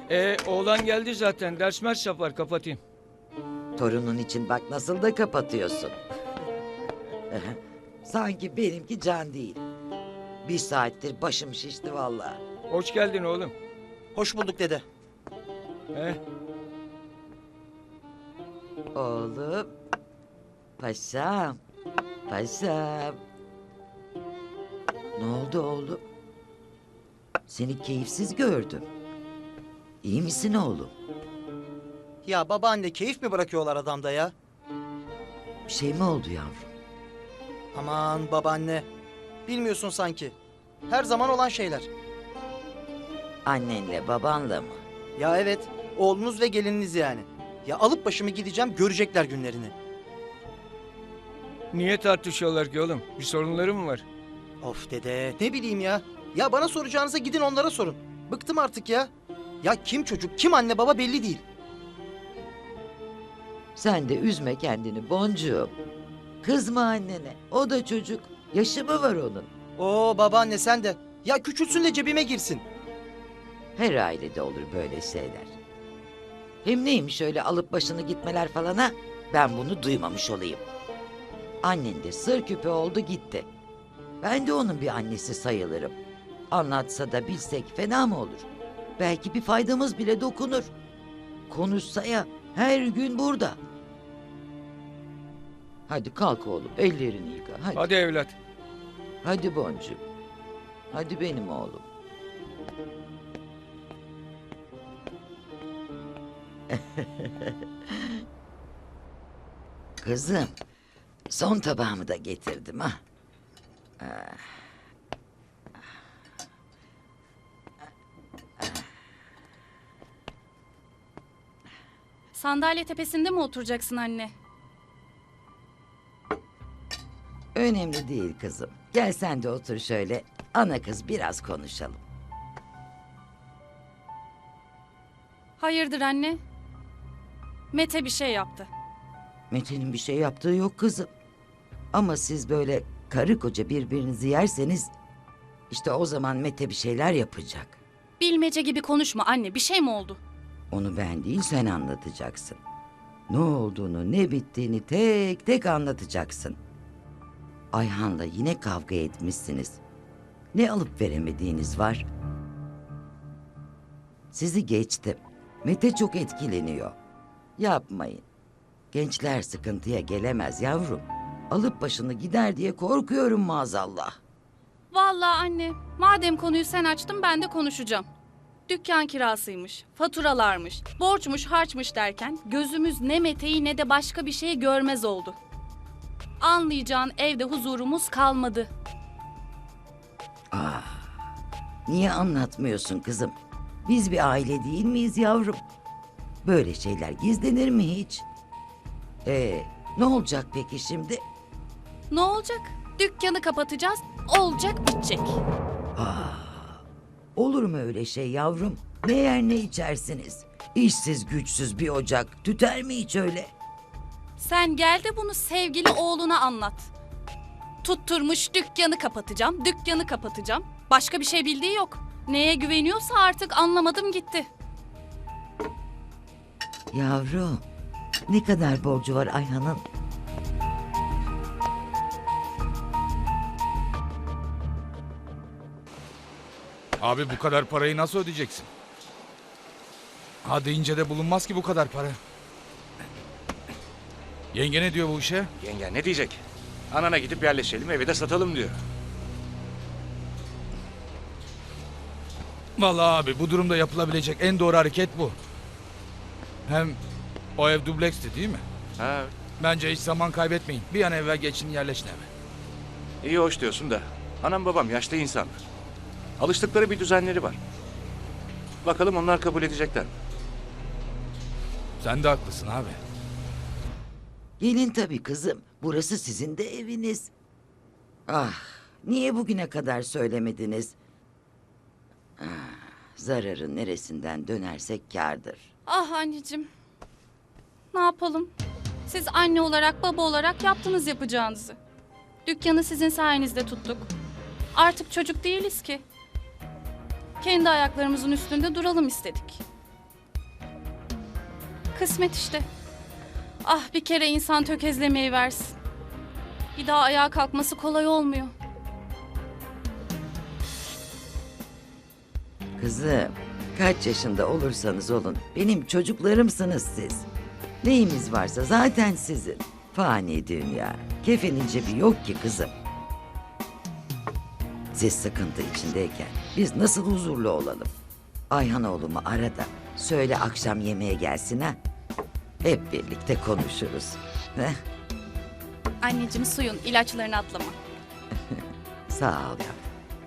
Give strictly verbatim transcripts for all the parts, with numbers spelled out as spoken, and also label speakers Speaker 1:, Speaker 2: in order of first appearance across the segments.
Speaker 1: E oğlan geldi zaten. Ders mers yapar, kapatayım.
Speaker 2: Torunun için bak nasıl da kapatıyorsun. Sanki benimki can değil. Bir saattir başım şişti vallahi.
Speaker 1: Hoş geldin oğlum.
Speaker 3: Hoş bulduk dede.
Speaker 1: He?
Speaker 2: Oğlum. Paşam. Paşam. Ne oldu oğlum? Seni keyifsiz gördüm. İyi misin oğlum?
Speaker 3: Ya babaanne keyif mi bırakıyorlar adamda ya?
Speaker 2: Bir şey mi oldu yavrum?
Speaker 3: Aman babaanne. Bilmiyorsun sanki. Her zaman olan şeyler.
Speaker 2: Annenle babanla mı?
Speaker 3: Ya evet. Oğlunuz ve gelininiz yani. Ya alıp başımı gideceğim, görecekler günlerini.
Speaker 1: Niye tartışıyorlar ki oğlum? Bir sorunları mı var?
Speaker 3: Of dede, ne bileyim ya. Ya bana soracağınıza gidin onlara sorun. Bıktım artık ya. Ya kim çocuk, kim anne baba belli değil.
Speaker 2: Sen de üzme kendini boncuğum. Kızma annene. O da çocuk. Yaşı mı var onun?
Speaker 3: Oo babaanne sen de. Ya küçülsün de cebime girsin.
Speaker 2: Her ailede olur böyle şeyler. Hem neymiş öyle alıp başını gitmeler falan ha? Ben bunu duymamış olayım. Annen de sır küpe oldu gitti. Ben de onun bir annesi sayılırım. Anlatsa da bilsek fena mı olur? Belki bir faydamız bile dokunur. Konuşsa ya her gün burada. Hadi kalk oğlum ellerini yıka hadi.
Speaker 1: Hadi evlat.
Speaker 2: Hadi boncuğum. Hadi benim oğlum. Kızım, son tabağımı da getirdim ha.
Speaker 4: Sandalye tepesinde mi oturacaksın anne?
Speaker 2: Önemli değil kızım. Gel sen de otur şöyle. Ana kız biraz konuşalım.
Speaker 4: Hayırdır anne? Mete bir şey yaptı.
Speaker 2: Mete'nin bir şey yaptığı yok kızım. Ama siz böyle karı koca birbirinizi yerseniz... ...işte o zaman Mete bir şeyler yapacak.
Speaker 4: Bilmece gibi konuşma anne. Bir şey mi oldu?
Speaker 2: Onu ben değil sen anlatacaksın. Ne olduğunu ne bittiğini tek tek anlatacaksın. Ayhan'la yine kavga etmişsiniz. Ne alıp veremediğiniz var? Sizi geçtim. Mete çok etkileniyor. Yapmayın. Gençler sıkıntıya gelemez yavrum. Alıp başını gider diye korkuyorum maazallah.
Speaker 4: Vallahi anne. Madem konuyu sen açtın ben de konuşacağım. Dükkan kirasıymış, faturalarmış, borçmuş, harçmış derken gözümüz ne Mete'yi ne de başka bir şeyi görmez oldu. Anlayacağın evde huzurumuz kalmadı.
Speaker 2: Niye anlatmıyorsun kızım? Biz bir aile değil miyiz yavrum? Böyle şeyler gizlenir mi hiç? Ee, ne olacak peki şimdi?
Speaker 4: Ne olacak? Dükkanı kapatacağız, olacak bitecek.
Speaker 2: Olur mu öyle şey yavrum? Ne yer ne içersiniz? İşsiz güçsüz bir ocak tüter mi hiç öyle?
Speaker 4: Sen gel de bunu sevgili oğluna anlat. Tutturmuş dükkanı kapatacağım, dükkanı kapatacağım. Başka bir şey bildiği yok. Neye güveniyorsa artık anlamadım gitti.
Speaker 2: Yavrum, ne kadar borcu var Ayhan'ın?
Speaker 5: Abi bu kadar parayı nasıl ödeyeceksin? Ha deyince de bulunmaz ki bu kadar para. Yenge ne diyor bu işe?
Speaker 6: Yenge ne diyecek? Anana gidip yerleşelim, evi de satalım diyor.
Speaker 5: Vallahi abi bu durumda yapılabilecek en doğru hareket bu. Hem o ev dubleksti değil mi?
Speaker 6: Ha,
Speaker 5: Bence hiç zaman kaybetmeyin. Bir an evvel geçin yerleşin eve.
Speaker 6: iyi hoş diyorsun da. Anam babam yaşlı insanlar. Alıştıkları bir düzenleri var. Bakalım onlar kabul edecekler mi?
Speaker 5: Sen de haklısın abi.
Speaker 2: Gelin tabii kızım. Burası sizin de eviniz. Ah, niye bugüne kadar söylemediniz? Ah, zararın neresinden dönersek kârdır.
Speaker 4: Ah anneciğim. Ne yapalım? Siz anne olarak, baba olarak yaptınız yapacağınızı. Dükkanı sizin sayenizde tuttuk. Artık çocuk değiliz ki. Kendi ayaklarımızın üstünde duralım istedik. Kısmet işte. Ah bir kere insan tökezlemeyi versin. Bir daha ayağa kalkması kolay olmuyor.
Speaker 2: Kızım, kaç yaşında olursanız olun benim çocuklarımsınız siz. Neyimiz varsa zaten sizin. Fani dünya. Kefenin cebi yok ki kızım. Siz sıkıntı içindeyken biz nasıl huzurlu olalım? Ayhan oğlumu ara da söyle akşam yemeğe gelsin ha. Hep birlikte konuşuruz. Heh,
Speaker 4: Anneciğim suyun ilaçlarını atlama.
Speaker 2: sağ ol yavrum.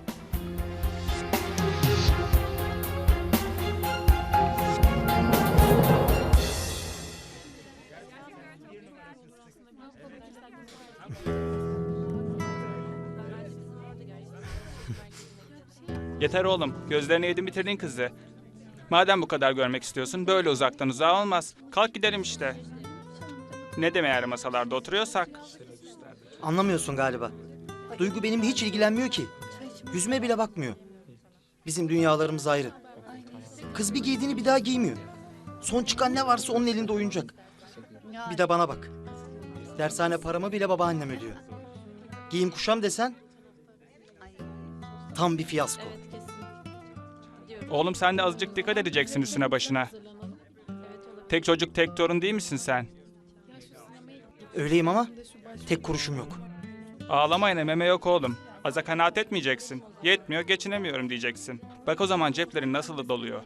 Speaker 7: Yeter oğlum. Gözlerini yedin bitirdin kızı. Madem bu kadar görmek istiyorsun böyle uzaktan uzağa olmaz. Kalk gidelim işte. Ne deme eğer masalarda oturuyorsak.
Speaker 3: Anlamıyorsun galiba. Duygu benimle hiç ilgilenmiyor ki. Yüzüme bile bakmıyor. Bizim dünyalarımız ayrı. Kız bir giydiğini bir daha giymiyor. Son çıkan ne varsa onun elinde oyuncak. Bir de bana bak. Dershane paramı bile babaannem ödüyor. Giyim kuşam desen tam bir fiyasko.
Speaker 7: Oğlum sen de azıcık dikkat edeceksin üstüne başına. Tek çocuk tek torun değil misin sen?
Speaker 3: Öyleyim ama tek kuruşum yok.
Speaker 7: Ağlamayın meme yok oğlum. Aza kanaat etmeyeceksin. Yetmiyor geçinemiyorum diyeceksin. Bak o zaman ceplerin nasıl da doluyor.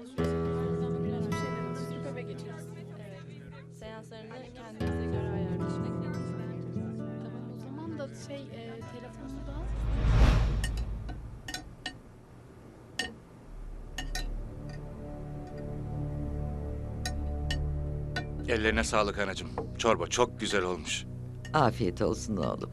Speaker 4: Seanslarını kendinize göre ayarlayın. Tamam o zaman da şey e, telefonu da...
Speaker 6: Ellerine sağlık anacığım. Çorba çok güzel olmuş.
Speaker 2: Afiyet olsun oğlum.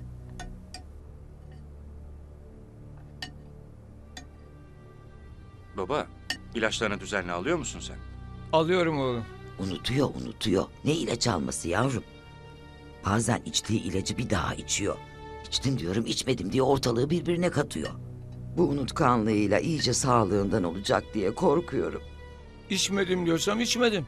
Speaker 6: Baba, ilaçlarını düzenli alıyor musun sen?
Speaker 1: Alıyorum oğlum.
Speaker 2: Unutuyor unutuyor. Ne ilaç alması yavrum? Bazen içtiği ilacı bir daha içiyor. İçtim diyorum içmedim diye ortalığı birbirine katıyor. Bu unutkanlığıyla iyice sağlığından olacak diye korkuyorum.
Speaker 1: İçmedim diyorsam içmedim.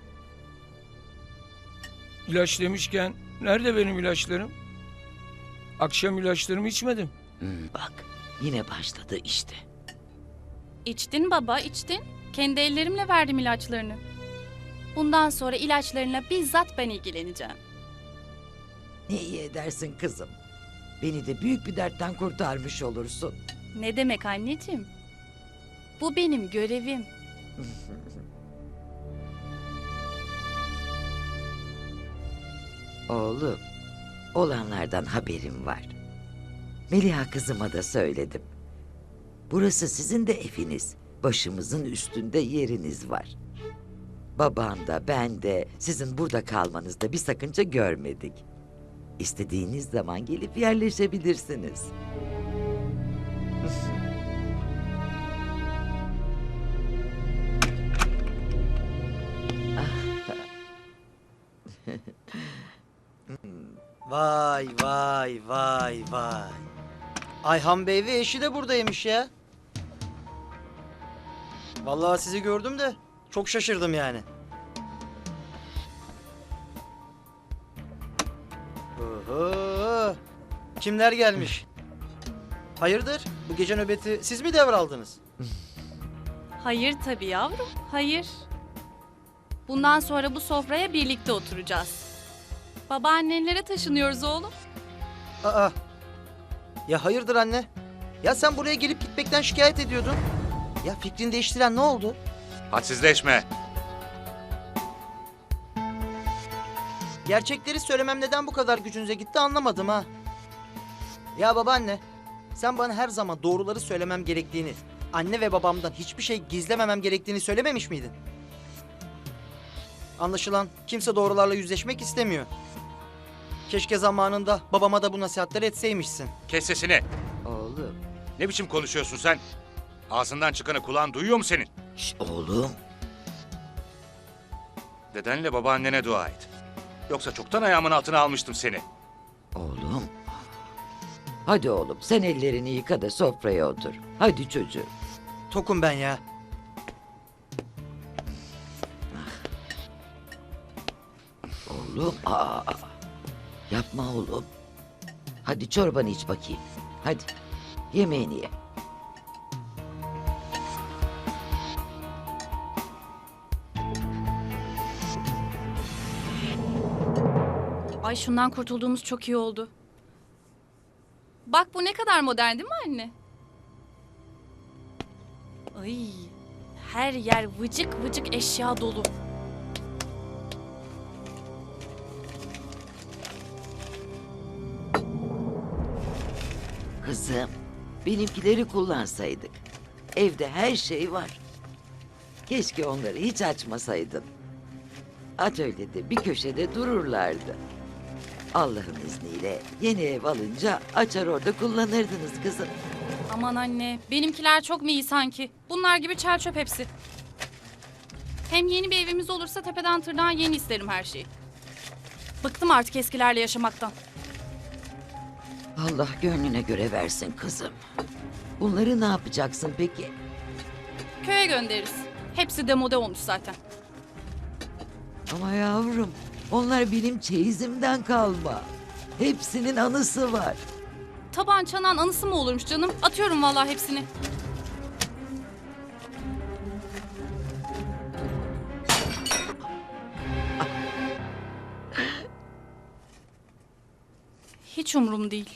Speaker 1: İlaç demişken nerede benim ilaçlarım? Akşam ilaçlarımı içmedim.
Speaker 2: Hmm, bak yine başladı işte.
Speaker 4: İçtin baba içtin. Kendi ellerimle verdim ilaçlarını. Bundan sonra ilaçlarına bizzat ben ilgileneceğim.
Speaker 2: Ne iyi edersin kızım. Beni de büyük bir dertten kurtarmış olursun.
Speaker 4: Ne demek anneciğim? Bu benim görevim.
Speaker 2: Oğlum, olanlardan haberim var. Meliha kızıma da söyledim. Burası sizin de eviniz. Başımızın üstünde yeriniz var. Baban da ben de sizin burada kalmanızda bir sakınca görmedik. İstediğiniz zaman gelip yerleşebilirsiniz.
Speaker 3: Vay vay vay vay. Ayhan Bey ve eşi de buradaymış ya. Vallahi sizi gördüm de çok şaşırdım yani. Oho. Kimler gelmiş? Hayırdır? Bu gece nöbeti siz mi devraldınız?
Speaker 4: Hayır tabii yavrum, hayır. Bundan sonra bu sofraya birlikte oturacağız. Babaannenlere taşınıyoruz oğlum.
Speaker 3: Aa. Ya hayırdır anne? Ya sen buraya gelip gitmekten şikayet ediyordun. Ya fikrini değiştiren ne oldu?
Speaker 6: Hadsizleşme.
Speaker 3: Gerçekleri söylemem neden bu kadar gücünüze gitti anlamadım ha. Ya babaanne, sen bana her zaman doğruları söylemem gerektiğini, anne ve babamdan hiçbir şey gizlememem gerektiğini söylememiş miydin? Anlaşılan kimse doğrularla yüzleşmek istemiyor. Keşke zamanında babama da bu nasihatleri etseymişsin.
Speaker 6: Kes sesini.
Speaker 2: Oğlum,
Speaker 6: Ne biçim konuşuyorsun sen? Ağzından çıkanı kulağın duyuyor mu senin?
Speaker 2: şş, oğlum.
Speaker 6: Dedenle babaannene dua et. Yoksa çoktan ayağımın altına almıştım seni.
Speaker 2: Oğlum. Hadi oğlum sen ellerini yıka da sofraya otur. Hadi çocuğum.
Speaker 3: Tokum ben ya.
Speaker 2: Oğlum, aa, yapma oğlum. Hadi çorbanı iç bakayım. Hadi, yemeğini ye.
Speaker 4: Ay şundan kurtulduğumuz çok iyi oldu. Bak bu ne kadar modern değil mi anne? Ay, her yer vıcık vıcık eşya dolu.
Speaker 2: Kızım, benimkileri kullansaydık. Evde her şey var. Keşke onları hiç açmasaydın. Atölyede bir köşede dururlardı. Allah'ın izniyle yeni ev alınca açar orada kullanırdınız kızım.
Speaker 4: Aman anne, benimkiler çok mu iyi sanki? Bunlar gibi çer çöp hepsi. Hem yeni bir evimiz olursa tepeden tırnağa yeni isterim her şeyi. Bıktım artık eskilerle yaşamaktan.
Speaker 2: Allah gönlüne göre versin kızım. Bunları ne yapacaksın peki?
Speaker 4: Köye göndeririz. Hepsi demode olmuş zaten.
Speaker 2: Ama yavrum, onlar benim çeyizimden kalma. Hepsinin anısı var.
Speaker 4: Taban çanan anısı mı olurmuş canım? Atıyorum vallahi hepsini. Hiç umurum değil.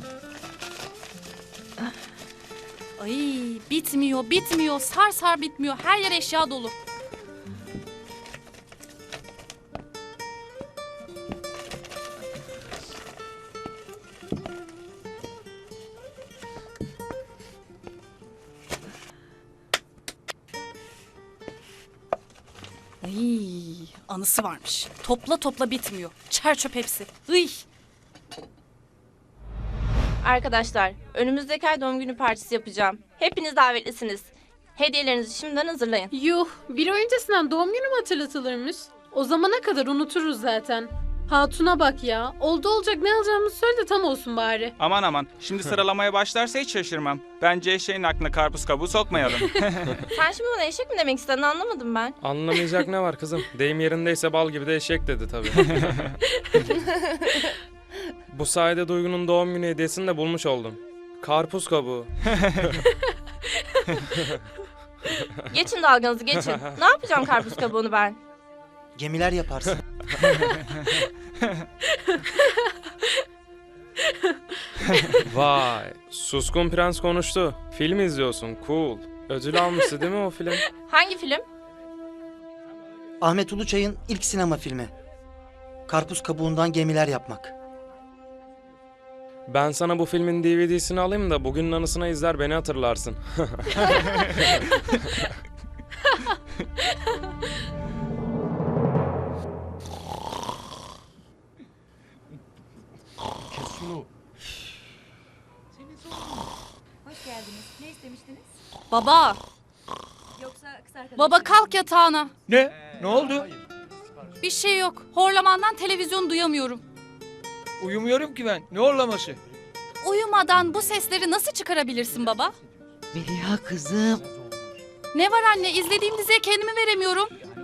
Speaker 4: Ay bitmiyor, bitmiyor. Sar sar bitmiyor. Her yer eşya dolu. Ay, anısı varmış. Topla topla bitmiyor. Çer çöp hepsi. Iy.
Speaker 8: Arkadaşlar, önümüzdeki ay doğum günü partisi yapacağım. Hepiniz davetlisiniz. Hediyelerinizi şimdiden hazırlayın.
Speaker 9: Yuh, bir ay öncesinden doğum günü mü hatırlatılırmış? O zamana kadar unuturuz zaten. Hatuna bak ya. Oldu olacak ne alacağımızı söyle de tam olsun bari.
Speaker 7: Aman aman. Şimdi sıralamaya başlarsa hiç şaşırmam. Bence eşeğin aklına karpuz kabuğu sokmayalım.
Speaker 8: Sen şimdi bana eşek mi demek istedin anlamadım ben.
Speaker 10: Anlamayacak ne var kızım? Deyim yerindeyse bal gibi de eşek dedi tabii. Bu sayede Duygu'nun doğum günü hediyesini de bulmuş oldum. Karpuz kabuğu.
Speaker 8: Geçin dalganızı geçin. Ne yapacağım karpuz kabuğunu ben?
Speaker 3: Gemiler yaparsın.
Speaker 10: Vay, Suskun Prens konuştu. Film izliyorsun, cool. Ödül almıştı değil mi o film?
Speaker 8: Hangi film?
Speaker 3: Ahmet Uluçay'ın ilk sinema filmi. Karpuz kabuğundan gemiler yapmak.
Speaker 10: Ben sana bu filmin D V D'sini alayım da bugünün anısına izler beni hatırlarsın.
Speaker 4: Baba. Baba kalk yatağına.
Speaker 1: Ne? Ne oldu?
Speaker 4: Bir şey yok. Horlamandan televizyon duyamıyorum.
Speaker 1: Uyumuyorum ki ben. Ne horlaması?
Speaker 4: Uyumadan bu sesleri nasıl çıkarabilirsin baba?
Speaker 2: Meliha kızım.
Speaker 4: Ne var anne? İzlediğim diziye kendimi veremiyorum.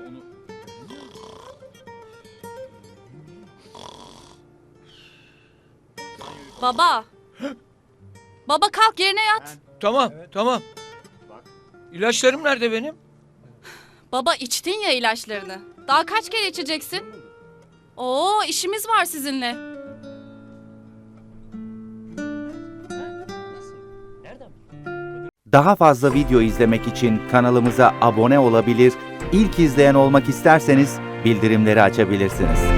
Speaker 4: Baba. Baba kalk yerine yat.
Speaker 1: Tamam, tamam. İlaçlarım nerede benim?
Speaker 4: Baba içtin ya ilaçlarını. Daha kaç kere içeceksin? Oo işimiz var sizinle.
Speaker 11: Daha fazla video izlemek için kanalımıza abone olabilir, ilk izleyen olmak isterseniz bildirimleri açabilirsiniz.